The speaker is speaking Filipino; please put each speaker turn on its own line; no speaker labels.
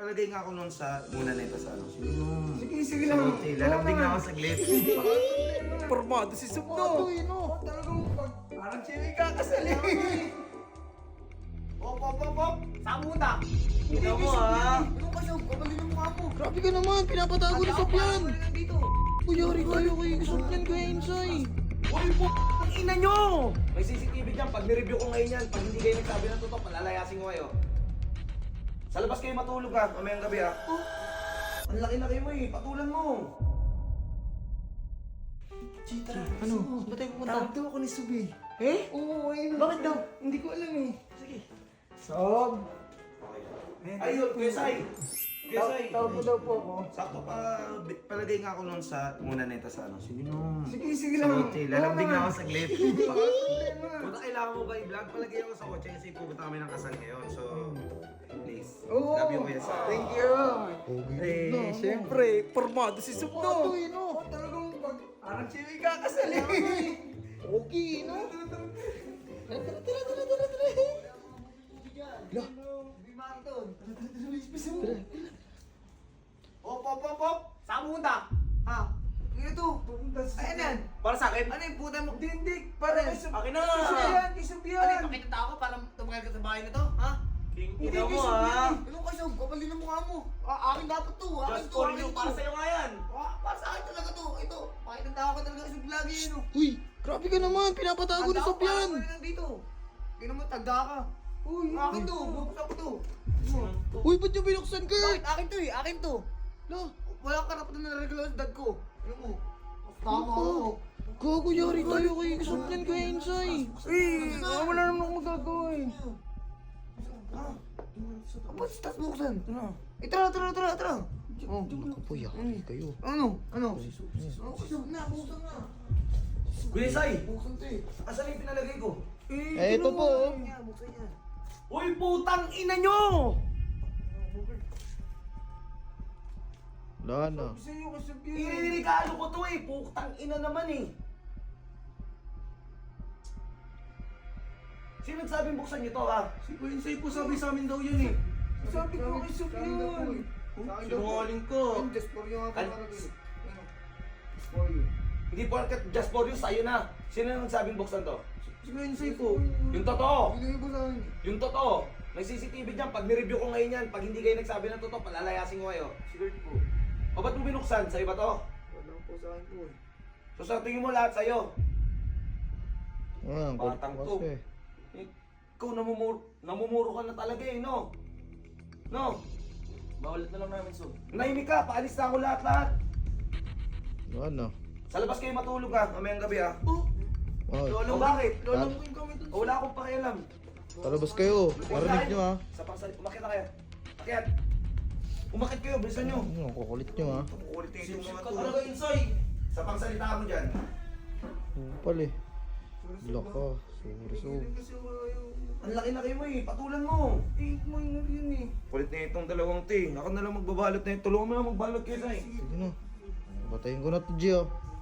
palagay nga ako nun sa muna nito sa ano.
Sige lang.
Lalambing na ako saglit.
Formado si Sub no. Talagang parang chili kakasal eh.
Op! Saan punta?
Ito mo ah.
Ano ka Sob? Kapalin ang mukha mo.
Grabe ka naman, pinapatago ni Sob yan.
Dito.
Kuyari tayo kay Sob yan, Kuya Insay.
Uy po! Ang ina nyo! May CCTV dyan. Pag nireview ko ngayon yan, pag hindi kayo nagsabi ng totoo, palalayasin ko kayo. Sa labas kayo matulog ha, mamayang gabi ha. Ang laki-laki mo eh, patulan mo.
Chitra.
Ano? Ba't tayo pupunta?
Tawag daw ako ni Sub eh.
Eh?
Oo, ayun.
Bakit daw?
Hindi ko alam eh.
Sige.
Sob.
Ayun, Kuya Sai. Kuya Sai.
Tawag mo daw po ako.
Sakto pa, palagay nga ako nun sa muna nito sa ano. Sige no.
Sige lang.
Sige, lalambing na ako saglit.
Problema.
Kung kailangan mo ba i-vlog, palagay ako sa kotse kasi pupunta kami ng kasal ngayon. So, please.
Oo.
Love you, Kuya Sai.
Thank you.
Okay.
Eh, syempre, formado si Sub no. Talagang parang chili kakasal eh.
Okay, no?
Op! Saan punta?
Ha? Ito, pupunta sa...
Ayan yan.
Para sa akin?
Ano yung puta mo?
Dindik, para kay Sub.
Akin na!
Kay Sub
Ano
yan.
yung pakita ako para tumakal ka sa bahay na to? Ha?
King
Hindi
ina
kay
mo
Sub
ah.
yan
Ano ka Sob? Kapalin ang mukha mo. Akin dapat to. Akin
Just
to.
for
Akin
you,
to.
para sa'yo nga yan.
Para sa akin talaga to. Ito. Pakita ako talaga kay Sob lagi yun.
Uy, grabe ka naman, pinapatago ni Sob yan.
Dito. Tingnan mo, tagda ka.
Uy,
Akin to. Bubuksan ko to.
Uy, ba't yung binuksan, Kurt?
Bakit? Akin to eh. Akin to.
Lo,
Wala ka karapatan na regalo sa dad ko. Ano mo? Tama ako.
gago yari tayo kay Sob yan, Kuya Insay.
wala naman akong magagawa eh.
Ba't tas buksan? Tara. Oh.
Uy, yari kayo.
Ano? Buksan na.
Kuya Sai,
Buksan to eh.
asan yung pinalagay ko?
Eh, ito po. oh.
Buksan niya.
Uy, putang ina nyo!
Wala na.
Gusto niyo kay Sub yan eh.
Iririgalo ko to eh, putang ina naman eh. Sino nagsabing buksan nyo to ha?
Si Kuya Insay po sabi sa amin daw yun eh. Sabi ko kay Sub yan.
Sinungaling ko.
Just for you nga
Al-
po nakalagay. Ano? Just for you.
Hindi porket just for you, sa'yo na. Sino nagsabing buksan to?
Si Kuya Insay po.
Yung totoo!
Binigay po sa akin.
Yung totoo! May CCTV dyan, pag nireview ko ngayon yan, pag hindi kayo nagsabi ng totoo, palalayasin ko kayo.
Sigurd po.
O ba't mo binuksan? Sa'yo ba to?
Wala po sa akin po eh.
So sa tingin mo lahat sa'yo.
Ah, ang kulit
Batang
mo
to.
kasi.
Ikaw namumuro ka na talaga eh, no? No?
Bawalat na lang namin, Sob.
Nahimik ka, paalis na ako lahat-lahat.
Wala na.
Sa labas kayo matulog ha, mamayang gabi ha.
Ay,
O bakit?
Lalamuin kami dun.
O wala akong pakialam.
talabas kayo. Marinig nyo, ha?
Sa pangsalit, umakit na kayo. Akyat. Umakit kayo, bilisan nyo.
Ano, ang kukulit nyo, ha?
Kukulit na yung mga
Ka
tulog.
talaga, Insay.
Sa pangsalita mo dyan.
Upal eh. Laka. Sorry, Sob.
Kasi ayaw.
Ang laki-laki mo eh, patulan mo.
Eh, minor yun eh.
Kulit na itong dalawang ting. Ako na lang magbabalot na yun. Tulungan mo na magbalot kayo, Sai.
Sige na. Patayin ko na to, G, ha?